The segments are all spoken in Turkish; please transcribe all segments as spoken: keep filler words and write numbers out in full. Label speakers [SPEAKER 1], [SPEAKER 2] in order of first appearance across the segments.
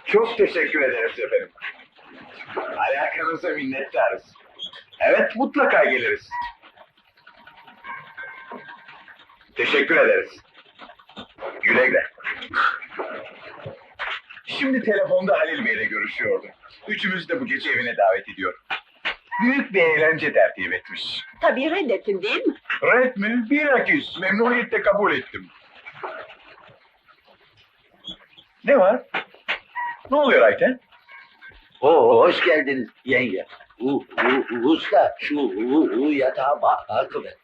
[SPEAKER 1] Çok teşekkür ederiz efendim. Alakanıza minnettarız. Evet, mutlaka geliriz. Teşekkür ederiz. Güle güle. Şimdi telefonda Halil Bey'le görüşüyordum. Üçümüz de bu gece evine davet ediyor. Büyük bir eğlence tertip etmiş.
[SPEAKER 2] Tabii reddettin değil mi?
[SPEAKER 1] Red mi? Bilakis memnuniyetle kabul ettim. Ne var? Ne oluyor Ayten?
[SPEAKER 3] Oo, hoş geldiniz yenge. U, u, usta, şu u, u yatağa bak, akı ver.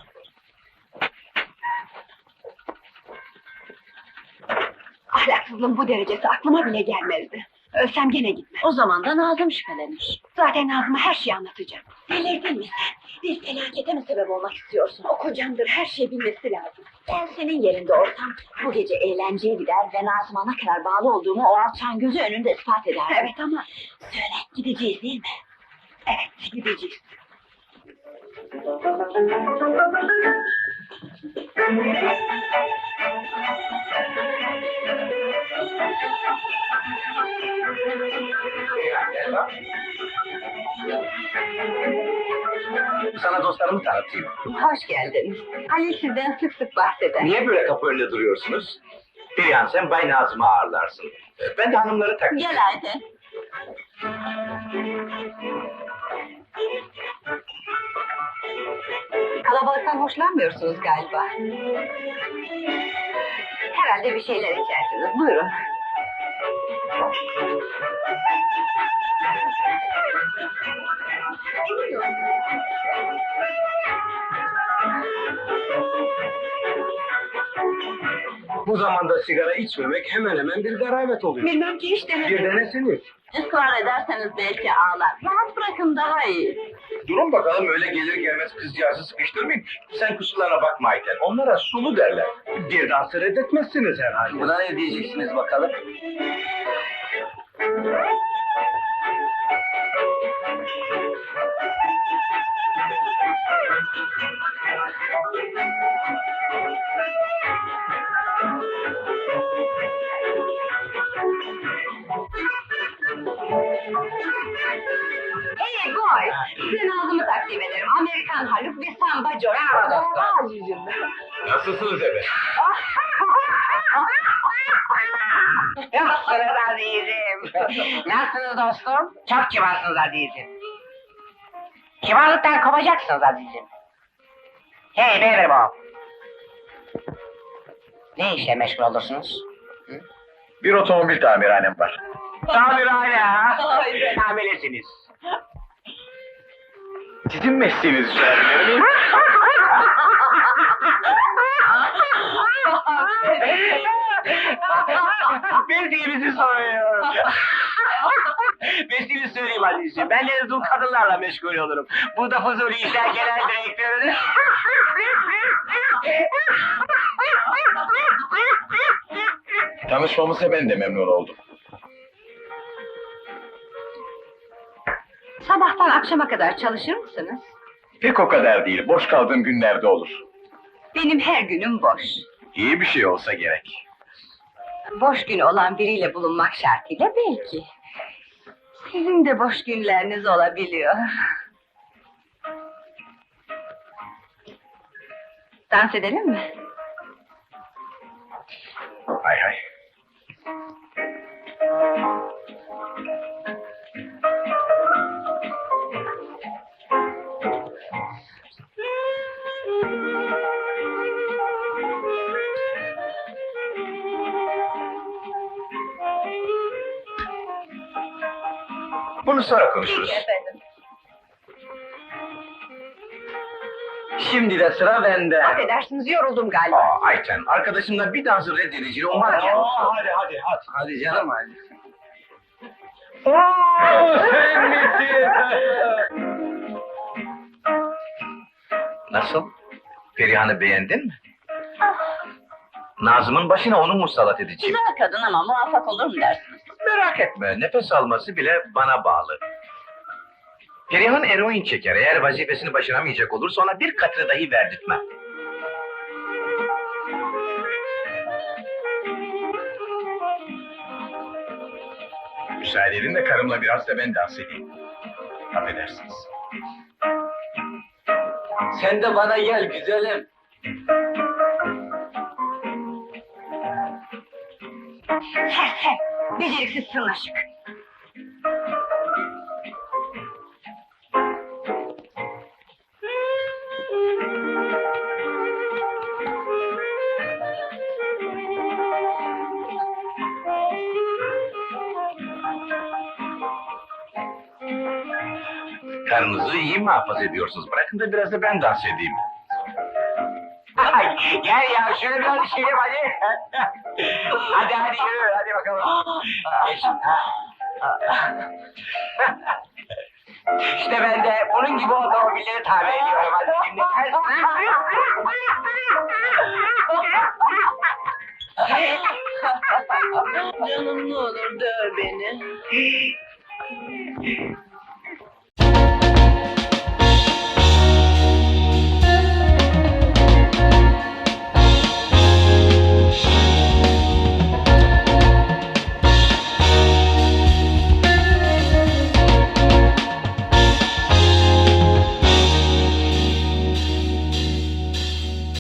[SPEAKER 2] Ahlaksızlığın bu derecesi aklıma bile gelmezdi. Ölsem gene gitmem. O zaman da Nazım şüphelenir. Zaten Nazım'a her şeyi anlatacağım. Delirdin mi sen? Bir felakete mi sebep olmak istiyorsun? O kocandır, her şeyi bilmesi lazım. Ben senin yerinde olsam bu gece eğlenceye gider ve Nazım'a ne kadar bağlı olduğumu o alçağın gözü önünde ispat ederdim. Evet ama söyle, gideceğiz değil mi? Evet, gideceğiz.
[SPEAKER 3] Sana dostlarımı tanıtayım.
[SPEAKER 2] Hoş geldiniz. Halil sizden sık sık bahseder.
[SPEAKER 3] Niye böyle kapı önünde duruyorsunuz? Perihan sen Bay Nazım'ı ağırlarsın. Ben de hanımları takdim.
[SPEAKER 2] Gel Ayten. Kalabalıktan hoşlanmıyorsunuz galiba. Herhalde bir şeyler içersiniz. Buyurun.
[SPEAKER 3] Bu zamanda sigara içmemek hemen hemen bir garabet oluyor.
[SPEAKER 2] Bilmem ki hiç
[SPEAKER 3] Bir
[SPEAKER 2] denemedim.
[SPEAKER 3] denesiniz.
[SPEAKER 2] Israr ederseniz belki ağlar. Rahat bırakın daha iyi.
[SPEAKER 1] Durun bakalım, öyle gelir gelmez kızcağızı sıkıştırmayın. Sen kusurlarına bakma Ayten. Onlara sulu derler.
[SPEAKER 3] Bir dansı reddetmezsiniz herhalde. Buna ne diyeceksiniz bakalım?
[SPEAKER 2] Hey boy, size Nazım'ı takdim ederim. Amerikan Haluk ve Samba Joe. Azizim.
[SPEAKER 1] Nasılsınız efendim?
[SPEAKER 4] Nasılsınız azizim? Nasılsınız dostum? Çok kibarsınız azizim. Kibarlıktan kovacaksınız azizim. Hey beyler bu. Ne işle meşgul olursunuz?
[SPEAKER 1] Bir otomobil tamirhanem var.
[SPEAKER 4] Tamirhane ha? Tamirlisiniz.
[SPEAKER 1] Sizin mesleğinizi sorabilir miyim?
[SPEAKER 4] Bildiğimizi soruyor. Mesleğini söyleyeyim azizim. Ben de dul kadınlarla meşgul olurum. Bu da Fuzuli İşler Genel Direktörü.
[SPEAKER 1] Tanışmamıza ben de memnun oldum.
[SPEAKER 2] Sabahtan akşama kadar çalışır mısınız?
[SPEAKER 1] Pek o kadar değil. Boş kaldığım günlerde olur.
[SPEAKER 2] Benim her günüm boş.
[SPEAKER 1] İyi bir şey olsa gerek.
[SPEAKER 2] Boş günü olan biriyle bulunmak şartıyla belki. Sizin de boş günleriniz olabiliyor. Dans edelim mi?
[SPEAKER 1] Hay hay. Bunu sonra konuşuruz.
[SPEAKER 2] Peki efendim.
[SPEAKER 3] Şimdi de sıra bende.
[SPEAKER 2] Affedersiniz, yoruldum galiba.
[SPEAKER 1] Aa, Ayten, arkadaşımla bir dansı reddedeceğini umarım.
[SPEAKER 3] Aa,
[SPEAKER 1] hadi hadi hadi.
[SPEAKER 3] Hadi canım hadi.
[SPEAKER 1] Oo, sen misin? Nasıl? Perihan'ı beğendin mi? Nazım'ın başına onu musallat edeceğim.
[SPEAKER 2] Güzel kadın ama muvaffak olur mu dersiniz?
[SPEAKER 1] Merak etme, nefes alması bile bana bağlı. Perihan eroin çeker, eğer vazifesini başaramayacak olursa ona bir katını dahi verdirtmem. Müsaade edin de karımla biraz da ben dans edeyim. Affedersiniz.
[SPEAKER 3] Sen de bana gel güzelim.
[SPEAKER 2] Sersem, beceriksiz sırnaşık.
[SPEAKER 1] Karınızı iyi muhafaza ediyorsunuz. Bırakın da biraz da ben dans edeyim.
[SPEAKER 4] Ay, gel ya şöyle biraz düşelim hadi. Hadi hadi yürü hadi bakalım. Geç. İşte ben de bunun gibi otomobilleri tamir ediyorum. Hadi şimdi.
[SPEAKER 2] Canım ne olur döv beni.